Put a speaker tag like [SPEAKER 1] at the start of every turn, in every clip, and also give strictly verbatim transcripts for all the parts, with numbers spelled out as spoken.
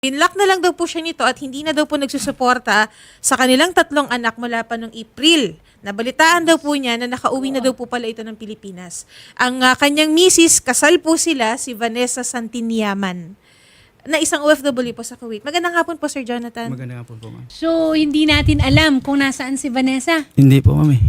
[SPEAKER 1] Binlock na lang daw po siya nito at hindi na daw po nagsusuporta sa kanilang tatlong anak mula pa noong April. Nabalitaan daw po niya na nakauwi na daw po pala ito ng Pilipinas. Ang uh, kanyang misis, kasal po sila, si Vanessa Santiniaman, na isang O F W po sa Kuwait. Magandang hapon po, Sir Jonathan.
[SPEAKER 2] Magandang hapon po, ma'am.
[SPEAKER 3] So, hindi natin alam kung nasaan si Vanessa.
[SPEAKER 2] Hindi po, ma'am eh.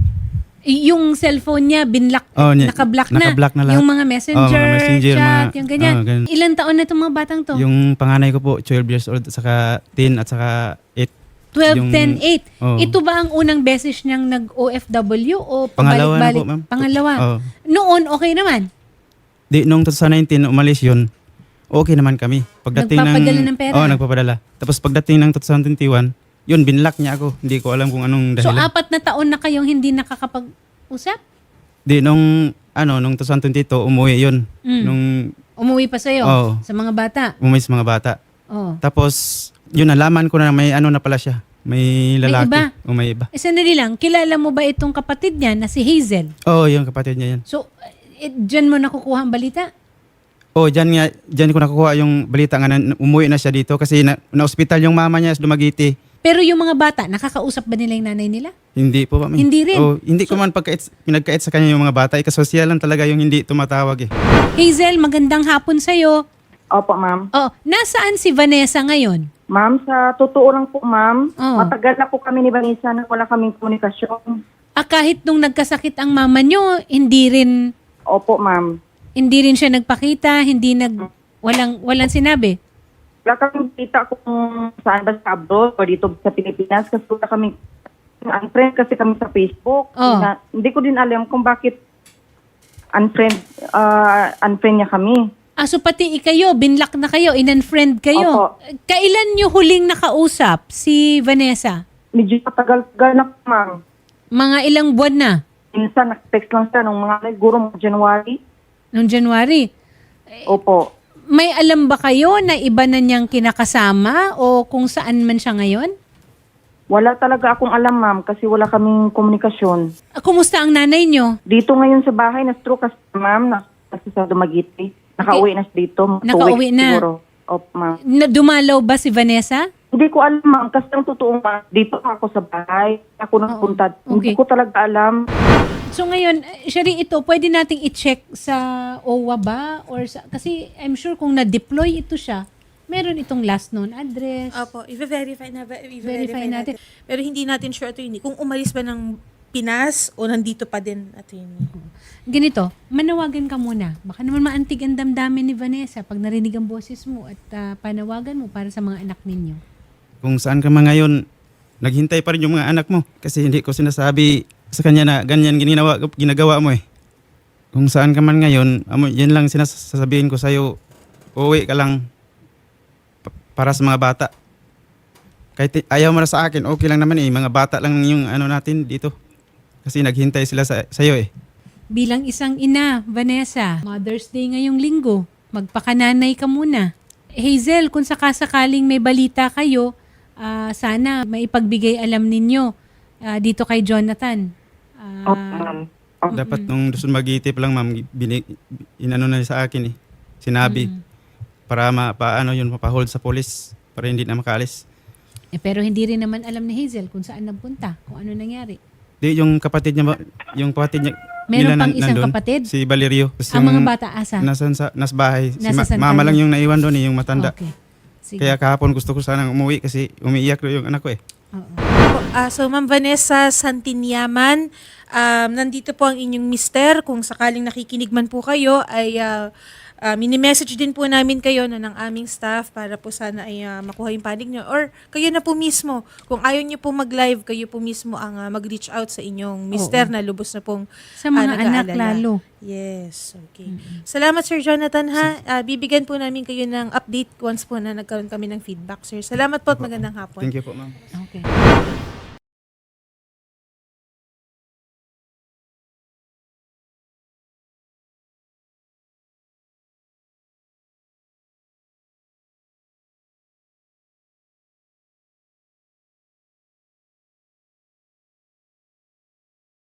[SPEAKER 3] Y- Yung cellphone niya, binlock,
[SPEAKER 2] Oh, niya-
[SPEAKER 3] naka-block na.
[SPEAKER 2] naka-block na lahat.
[SPEAKER 3] Yung mga messenger,
[SPEAKER 2] Oh, mga messenger,
[SPEAKER 3] chat,
[SPEAKER 2] mga-
[SPEAKER 3] yung ganyan.
[SPEAKER 2] oh, ganun.
[SPEAKER 3] Ilan taon na itong mga batang to?
[SPEAKER 2] Yung panganay ko po, twelve years old, saka ten at saka eight.
[SPEAKER 3] twelve,
[SPEAKER 2] yung-
[SPEAKER 3] ten, eight.
[SPEAKER 2] oh.
[SPEAKER 3] Ito ba ang unang beses niyang nag-O F W o
[SPEAKER 2] Pangalawa na
[SPEAKER 3] pabalik-balik?
[SPEAKER 2] po, ma'am.
[SPEAKER 3] Pangalawa.
[SPEAKER 2] Oh.
[SPEAKER 3] Noon, okay naman.
[SPEAKER 2] Di, nung twenty nineteen, umalis yun, okay naman kami. Pagdating
[SPEAKER 3] Nagpapadala ng pera?
[SPEAKER 2] Oo, oh, nagpapadala. Tapos pagdating ng twenty twenty-one, yun, binlock niya ako. Hindi ko alam kung anong
[SPEAKER 3] So,
[SPEAKER 2] dahilan.
[SPEAKER 3] apat na taon na kayong hindi nakakapag-usap?
[SPEAKER 2] Di, nung, ano, nung twenty twenty-two, umuwi yun.
[SPEAKER 3] Mm.
[SPEAKER 2] Nung
[SPEAKER 3] Umuwi pa sa'yo
[SPEAKER 2] Oo.
[SPEAKER 3] sa mga bata?
[SPEAKER 2] umuwi sa mga bata.
[SPEAKER 3] Oh.
[SPEAKER 2] Tapos, yun, nalaman ko na may ano na pala siya. May lalaki.
[SPEAKER 3] iba?
[SPEAKER 2] O may iba.
[SPEAKER 3] Eh, sandali lang, kilala mo ba itong kapatid niya na si Hazel?
[SPEAKER 2] Oo, yung kapatid niya yan.
[SPEAKER 3] So, eh, dyan mo nakukuha ang balita?
[SPEAKER 2] Oh, diyan nga, diyan ko nakukuha yung balita nga na umuwi na siya dito kasi na, na-hospital yung mama niya sa Dumaguete.
[SPEAKER 3] Pero yung mga bata, nakakausap ba nila yung nanay nila?
[SPEAKER 2] Hindi po, ma'am.
[SPEAKER 3] Hindi rin?
[SPEAKER 2] Oh, hindi ko man pagkait, pinagkait sa kanya yung mga bata. Ikasosya lang talaga yung hindi tumatawag eh.
[SPEAKER 3] Hazel, magandang hapon sa'yo.
[SPEAKER 4] Opo, ma'am.
[SPEAKER 3] Oh, nasaan si Vanessa ngayon?
[SPEAKER 4] Ma'am, sa totoo lang po, ma'am,
[SPEAKER 3] Oo.
[SPEAKER 4] matagal na po kami ni Vanessa na wala kaming komunikasyon.
[SPEAKER 3] Ah, kahit nung nagkasakit ang mama nyo, hindi rin,
[SPEAKER 4] Opo, ma'am.
[SPEAKER 3] hindi rin siya nagpakita, hindi nag, walang, walang sinabi.
[SPEAKER 4] Wala kaming kita kung saan ba sa abroad o dito sa Pilipinas kasi wala kaming unfriend kasi kami sa Facebook.
[SPEAKER 3] Oo.
[SPEAKER 4] Na, hindi ko din alam kung bakit unfriend, uh, unfriend niya kami.
[SPEAKER 3] Ah, so pati ikayo, binlock na kayo, in-unfriend kayo.
[SPEAKER 4] Opo.
[SPEAKER 3] Kailan nyo huling nakausap si Vanessa?
[SPEAKER 4] Medyo matagal-tagal na po, ma'am.
[SPEAKER 3] Mga ilang buwan na?
[SPEAKER 4] Minsan, nag-text lang siya nung mga siguro mga January.
[SPEAKER 3] Noong January?
[SPEAKER 4] Opo.
[SPEAKER 3] May alam ba kayo na iba na niyang kinakasama o kung saan man siya ngayon?
[SPEAKER 4] Wala talaga akong alam, ma'am, kasi wala kaming komunikasyon.
[SPEAKER 3] Ah, kumusta ang nanay niyo?
[SPEAKER 4] Dito ngayon sa bahay, na-stroke kasi, ma'am, na kasi sa Dumaguete. Nakauwi na siya dito. mga two
[SPEAKER 3] Nakauwi
[SPEAKER 4] weeks
[SPEAKER 3] na.
[SPEAKER 4] Siguro. Opo, ma'am.
[SPEAKER 3] Na, dumalaw ba si Vanessa?
[SPEAKER 4] Hindi ko alam, ma'am, kasi ang totoo, ma'am, dito ako sa bahay. Ako nagpunta.
[SPEAKER 3] Oo,
[SPEAKER 4] Hindi
[SPEAKER 3] okay.
[SPEAKER 4] ko talaga alam.
[SPEAKER 3] So ngayon, eh, Shari, ito, pwede nating i-check sa O W A ba? Or sa, kasi I'm sure kung na-deploy ito siya, meron itong last known address.
[SPEAKER 1] Opo, i-verify na ba?
[SPEAKER 3] Verify
[SPEAKER 1] I-verify
[SPEAKER 3] natin.
[SPEAKER 1] natin. Pero hindi natin sure ito yun. Kung umalis ba ng Pinas o nandito pa din at yun.
[SPEAKER 3] Ganito, manawagan ka muna. Baka naman maantig ang damdamin ni Vanessa pag narinig ang boses mo at ah, panawagan mo para sa mga anak ninyo.
[SPEAKER 2] Kung saan ka man ngayon, naghintay pa rin yung mga anak mo. Kasi hindi ko sinasabi sa kanya na ganyan ginagawa, ginagawa mo eh. Kung saan ka man ngayon, amo, yan lang sinasabihin ko sa'yo, uuwi ka lang pa- para sa mga bata. Kahit i- ayaw mo na sa akin, okay lang naman eh. Mga bata lang yung ano natin dito. Kasi naghintay sila sa, sa'yo eh.
[SPEAKER 3] Bilang isang ina, Vanessa, Mother's Day ngayong linggo, magpakananay ka muna. Hazel, kung sakasakaling may balita kayo, ah, sana maipagbigay alam ninyo ah, dito kay Jonathan. Ah,
[SPEAKER 4] Opo, ma'am. Opo.
[SPEAKER 2] Dapat nung doon magitip lang ma'am, binig, inano na sa akin eh. Sinabi. Para ma, paano yun, mapahold sa polis. Para hindi na makaalis.
[SPEAKER 3] eh, pero hindi rin naman alam ni Hazel kung saan nagpunta, kung ano nangyari.
[SPEAKER 2] Di, yung kapatid niya, ba- yung kapatid niya,
[SPEAKER 3] Meron
[SPEAKER 2] nila
[SPEAKER 3] pang
[SPEAKER 2] nan-
[SPEAKER 3] isang
[SPEAKER 2] nandun,
[SPEAKER 3] kapatid?
[SPEAKER 2] Si Valerio. Tapos
[SPEAKER 3] Ang
[SPEAKER 2] yung
[SPEAKER 3] mga bata asa?
[SPEAKER 2] Nasan sa, nas bahay. Si
[SPEAKER 3] Nasa
[SPEAKER 2] ma-
[SPEAKER 3] San
[SPEAKER 2] mama
[SPEAKER 3] Carlos.
[SPEAKER 2] lang yung naiwan doon eh, yung matanda.
[SPEAKER 3] Okay. Sige.
[SPEAKER 2] Kaya kahapon gusto ko sanang umuwi kasi umiiyak yung anak ko eh.
[SPEAKER 3] Oo.
[SPEAKER 1] Ah, so, Ma'am Vanessa Santiniaman, um, nandito po ang inyong mister. Kung sakaling nakikinig man po kayo, ay uh, uh, mini-message din po namin kayo no, ng aming staff para po sana ay uh, makuha yung panig nyo. Or kayo na po mismo. Kung ayaw nyo po mag-live, kayo po mismo ang uh, mag-reach out sa inyong mister na lubos na pong
[SPEAKER 3] Sa mga
[SPEAKER 1] ah,
[SPEAKER 3] anak
[SPEAKER 1] nag-aalala.
[SPEAKER 3] lalo.
[SPEAKER 1] Yes, okay. Salamat, Sir Jonathan, ha? Ah, bibigyan po namin kayo ng update once po na nagkaroon kami ng feedback, sir. Salamat po at magandang hapon.
[SPEAKER 2] Thank you po ma'am.
[SPEAKER 3] Okay.